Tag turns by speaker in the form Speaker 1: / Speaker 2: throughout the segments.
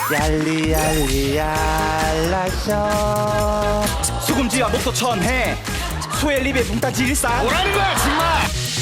Speaker 1: 얄리얄리얄라쇼
Speaker 2: 수금지와 목도 천해 소의 립에 붕따지 일상 뭐라는 거야 정말.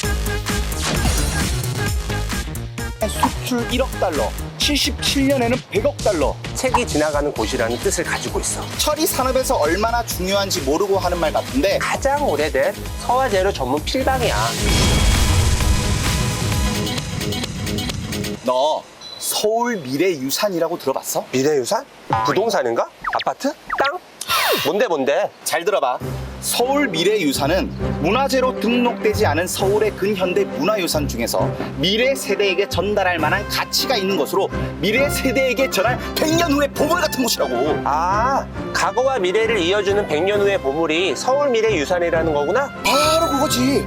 Speaker 2: 수출 1억 달러 77년에는 100억 달러.
Speaker 3: 책이 지나가는 곳이라는 뜻을 가지고 있어.
Speaker 2: 철이 산업에서 얼마나 중요한지 모르고 하는 말 같은데
Speaker 3: 가장 오래된 서화재료 전문 필방이야.
Speaker 2: 너 서울 미래유산이라고 들어봤어?
Speaker 3: 미래유산? 부동산인가? 아파트? 땅? 뭔데?
Speaker 2: 잘 들어봐. 서울 미래유산은 문화재로 등록되지 않은 서울의 근현대 문화유산 중에서 미래 세대에게 전달할 만한 가치가 있는 것으로 미래 세대에게 전할 100년 후의 보물 같은 곳이라고.
Speaker 3: 아, 과거와 미래를 이어주는 100년 후의 보물이 서울 미래유산이라는 거구나?
Speaker 2: 바로 그거지.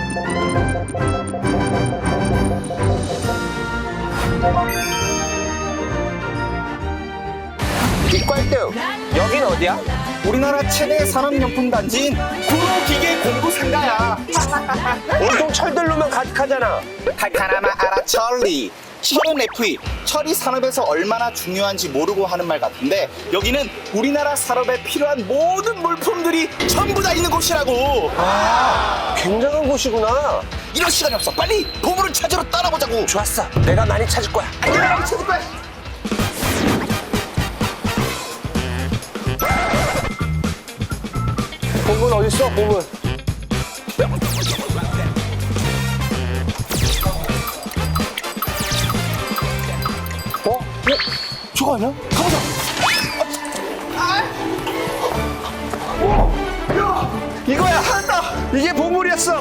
Speaker 3: 이빨등, 여긴 어디야?
Speaker 2: 우리나라 최대 산업용품 단지인 구로기계 공구상가야.
Speaker 3: 온통 철들로만 가득하잖아.
Speaker 2: 칼카라마 아라 철리. 철은 FE, 철이 산업에서 얼마나 중요한지 모르고 하는 말 같은데 여기는 우리나라 산업에 필요한 모든 물품들이 전부 다 있는 곳이라고.
Speaker 3: 굉장한 곳이구나.
Speaker 2: 이럴 시간이 없어. 빨리 보물을 찾으러 떠나보자고.
Speaker 3: 좋았어. 내가 많이 찾을 거야.
Speaker 2: 내가 많이 찾을 거야.
Speaker 3: 보물 어딨어, 보물?
Speaker 2: 저거 아니야? 가보자.
Speaker 3: 이거야, 하다. 이게 보물이었어.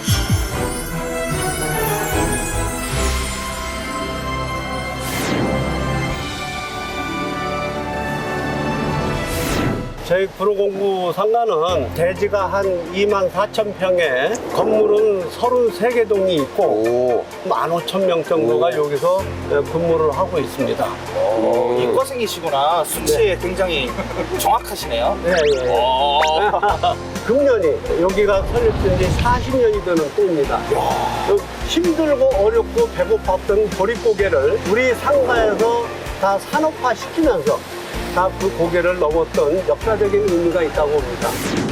Speaker 4: 저희 구로공구 상가는 대지가 한 24,000평에 건물은 33개 동이 있고 15,000명 정도가 여기서 근무를 하고 있습니다.
Speaker 2: 이과생이시구나. 수치에 굉장히 정확하시네요.
Speaker 4: 예, 예. 금년이 여기가 설립된 지 40년이 되는 때입니다. 힘들고 어렵고 배고팠던 보릿고개를 우리 상가에서 다 산업화시키면서 다 그 고개를 넘었던 역사적인 의미가 있다고 봅니다.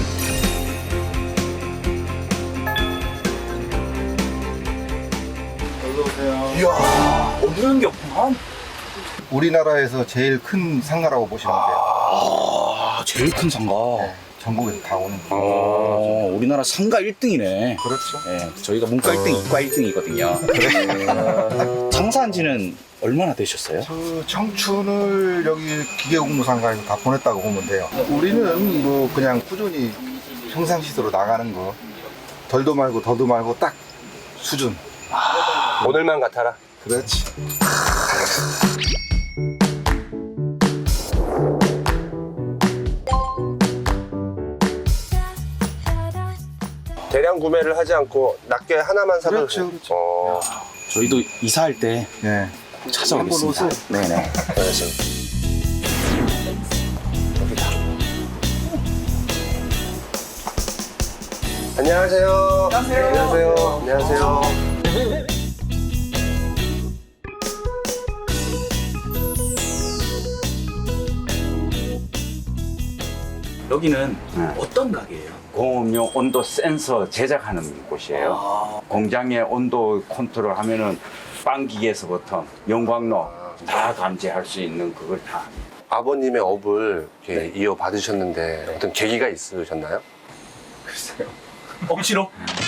Speaker 2: 이야, 없는 게 없구만.
Speaker 5: 우리나라에서 제일 큰 상가라고 보시면 돼요.
Speaker 2: 아, 제일 큰 상가.
Speaker 5: 전국에서 다 오는 거.
Speaker 2: 우리나라 상가 1등이네.
Speaker 5: 그렇죠.
Speaker 2: 네, 저희가 문과 1등, 이과 1등이거든요. 장사한 지는 얼마나 되셨어요?
Speaker 5: 그 청춘을 여기 기계공무상가에서 다 보냈다고 보면 돼요. 우리는 뭐 그냥 꾸준히 평상시대로 나가는 거. 덜도 말고 더도 말고 딱 수준.
Speaker 3: 오늘만 같아라.
Speaker 5: 그렇지.
Speaker 3: 대량 구매를 하지 않고 낮게 하나만 사도
Speaker 5: 그렇죠,
Speaker 3: 돼.
Speaker 5: 그렇죠.
Speaker 2: 저희도 이사할 때
Speaker 5: 네.
Speaker 2: 찾아오겠습니다. 네네.
Speaker 3: 알겠어. 안녕하세요. 안녕하세요. 안녕하세요.
Speaker 6: 여기는 어떤 가게예요? 공업용 온도 센서 제작하는 곳이에요. 공장의 온도 컨트롤 하면은 빵 기계에서부터 영광로 다 감지할 수 있는 그걸 다.
Speaker 3: 아버님의 업을 이렇게 이어받으셨는데 어떤 계기가 있으셨나요?
Speaker 2: 억지로?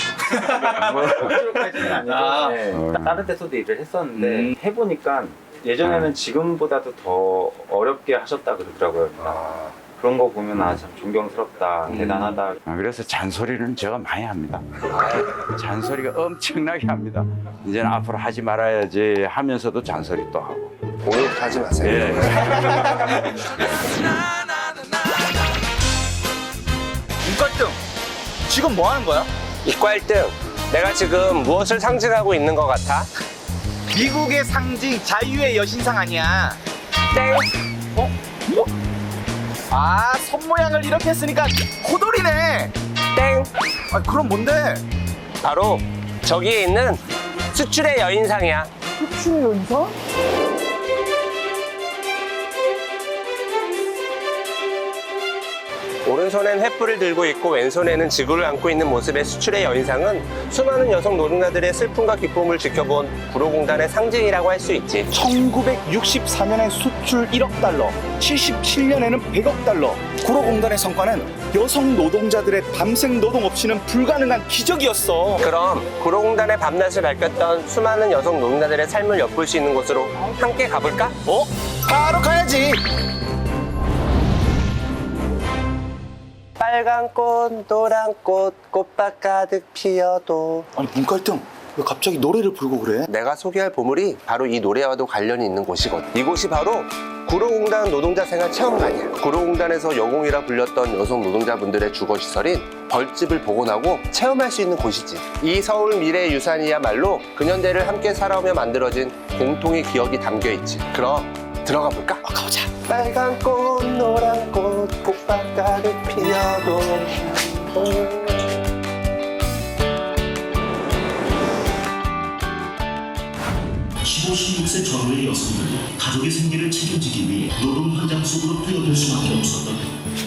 Speaker 7: 다른 데서도 일을 했었는데 해보니까 예전에는 지금보다도 더 어렵게 하셨다 그러더라고요. 그런 거 보면 참 존경스럽다, 대단하다.
Speaker 6: 그래서 잔소리는 제가 많이 합니다. 잔소리가 엄청나게 합니다. 이제는 앞으로 하지 말아야지 하면서도 잔소리 또 하고.
Speaker 3: 오늘부터 하지 마세요.
Speaker 6: 예.
Speaker 2: 문과 1등. 지금 뭐 하는 거야?
Speaker 3: 이과 1등. 내가 지금 무엇을 상징하고 있는 것 같아?
Speaker 2: 미국의 상징 자유의 여신상 아니야?
Speaker 3: 땡.
Speaker 2: 아, 손 모양을 이렇게 했으니까 호돌이네.
Speaker 3: 땡.
Speaker 2: 아, 그럼 뭔데?
Speaker 3: 바로 저기에 있는 수출의 여인상이야.
Speaker 2: 수출 여인상?
Speaker 3: 오른손엔 횃불을 들고 있고 왼손에는 지구를 안고 있는 모습의 수출의 여인상은 수많은 여성 노동자들의 슬픔과 기쁨을 지켜본 구로공단의 상징이라고 할 수 있지.
Speaker 2: 1964년에 수출 1억 달러, 77년에는 100억 달러. 구로공단의 성과는 여성 노동자들의 밤샘 노동 없이는 불가능한 기적이었어.
Speaker 3: 그럼 구로공단의 밤낮을 밝혔던 수많은 여성 노동자들의 삶을 엿볼 수 있는 곳으로 함께 가볼까?
Speaker 2: 바로 가야지.
Speaker 3: 빨간 꽃, 노란 꽃, 꽃밭 가득 피어도.
Speaker 2: 아니 문갈등 왜 갑자기 노래를 부르고 그래?
Speaker 3: 내가 소개할 보물이 바로 이 노래와도 관련이 있는 곳이거든. 이곳이 바로 구로공단 노동자 생활 체험관이야. 구로공단에서 여공이라 불렸던 여성 노동자분들의 주거시설인 벌집을 복원하고 체험할 수 있는 곳이지. 이 서울 미래유산이야말로 근현대를 함께 살아오며 만들어진 공통의 기억이 담겨있지. 그럼 들어가 볼까?
Speaker 2: 가보자.
Speaker 3: 빨간 꽃, 노란 꽃, 꽃밭 가득 피어도.
Speaker 1: (15, 16세) 전후의 여성들이 가족의 생계를 책임지기 위해 노동 현장 속으로 뛰어들 수밖에 없었던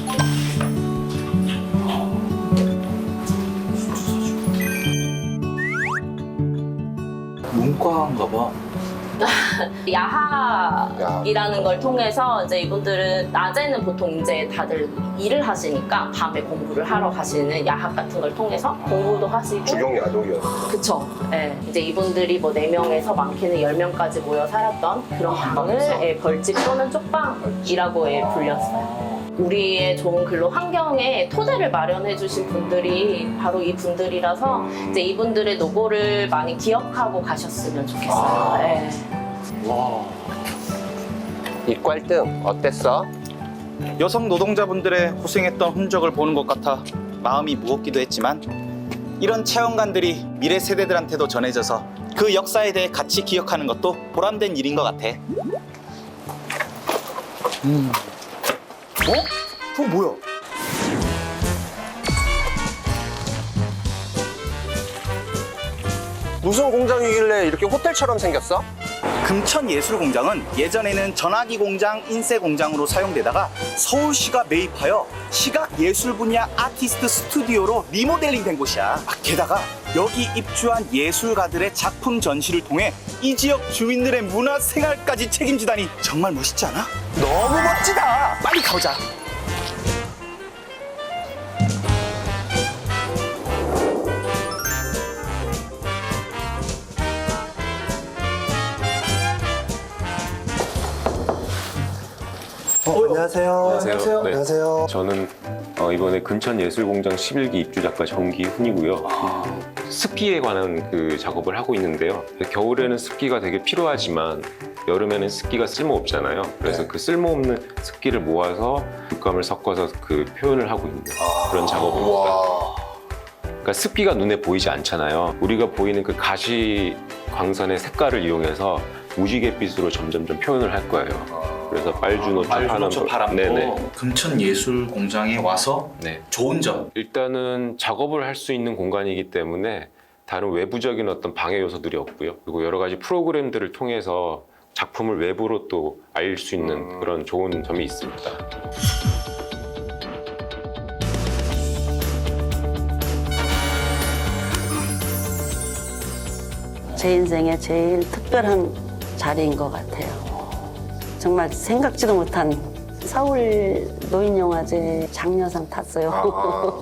Speaker 2: 문과인가 봐.
Speaker 8: 야학이라는 걸 통해서 이제 이분들은 낮에는 보통 이제 다들 일을 하시니까 밤에 공부를 하러 가시는 야학 같은 걸 통해서 공부도 하시고.
Speaker 3: 주경야독이었어.
Speaker 8: 그쵸. 예. 이제 이분들이 뭐 4명에서 많게는 10명까지 모여 살았던 그런 방을 벌집 또는 쪽방이라고 불렸어요. 우리의 좋은 근로 환경에 토대를 마련해 주신 분들이 바로 이 분들이라서 이제 이분들의 노고를 많이 기억하고 가셨으면 좋겠어요. 네.
Speaker 3: 이빨등 어땠어?
Speaker 2: 여성 노동자분들의 고생했던 흔적을 보는 것 같아 마음이 무겁기도 했지만 이런 체험관들이 미래 세대들한테도 전해져서 그 역사에 대해 같이 기억하는 것도 보람된 일인 것 같아. 그거 뭐야?
Speaker 3: 무슨 공장이길래 이렇게 호텔처럼 생겼어?
Speaker 2: 금천예술공장은 예전에는 전화기 공장, 인쇄 공장으로 사용되다가 서울시가 매입하여 시각예술 분야 아티스트 스튜디오로 리모델링 된 곳이야. 게다가 여기 입주한 예술가들의 작품 전시를 통해 이 지역 주민들의 문화 생활까지 책임지다니 정말 멋있지 않아? 너무 멋지다! 빨리 가보자.
Speaker 4: 안녕하세요.
Speaker 9: 안녕하세요. 네.
Speaker 4: 안녕하세요.
Speaker 9: 저는 이번에 금천예술공장 11기 입주작가 정기훈이고요. 습기에 관한 그 작업을 하고 있는데요. 겨울에는 습기가 되게 필요하지만 여름에는 습기가 쓸모없잖아요. 그래서 그 쓸모없는 습기를 모아서 육감을 섞어서 그 표현을 하고 있는 그런 작업입니다. 그러니까 습기가 눈에 보이지 않잖아요. 우리가 보이는 그 가시 광선의 색깔을 이용해서 무지갯빛으로 점점점 표현을 할 거예요. 그래서 빨주노초,
Speaker 2: 파남도
Speaker 9: 네네.
Speaker 2: 금천예술공장에 와서
Speaker 9: 네.
Speaker 2: 좋은 점.
Speaker 9: 일단은 작업을 할 수 있는 공간이기 때문에 다른 외부적인 어떤 방해 요소들이 없고요. 그리고 여러 가지 프로그램들을 통해서 작품을 외부로 또 알릴 수 있는 그런 좋은 점이 있습니다.
Speaker 10: 제 인생에 제일 특별한 자리인 것 같아요. 정말 생각지도 못한 서울 노인영화제 장려상 탔어요.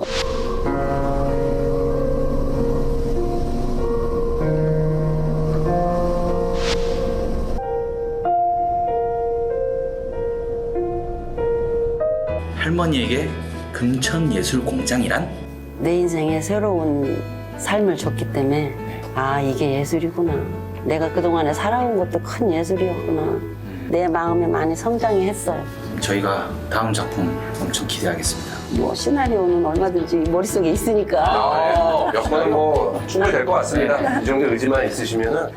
Speaker 2: 할머니에게 금천예술공장이란?
Speaker 10: 내 인생에 새로운 삶을 줬기 때문에 아, 이게 예술이구나. 내가 그동안에 살아온 것도 큰 예술이었구나. 내 마음이 많이 성장이 했어요.
Speaker 2: 저희가 다음 작품 엄청 기대하겠습니다.
Speaker 10: 뭐 시나리오는 얼마든지 머릿속에 있으니까.
Speaker 3: 몇 번은 뭐 충분히 될 것 같습니다. 이 정도 의지만 있으시면은.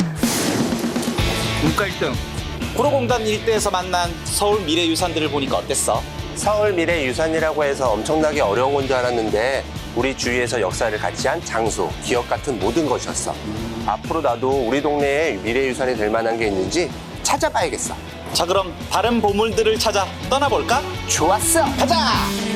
Speaker 2: 문갈등. 구로공단 일대에서 만난 서울 미래유산들을 보니까 어땠어?
Speaker 3: 서울 미래유산이라고 해서 엄청나게 어려운 건 줄 알았는데 우리 주위에서 역사를 같이 한 장소, 기억 같은 모든 것이었어. 앞으로 나도 우리 동네에 미래유산이 될 만한 게 있는지 찾아봐야겠어.
Speaker 2: 자, 그럼 다른 보물들을 찾아 떠나볼까?
Speaker 3: 좋았어.
Speaker 2: 가자!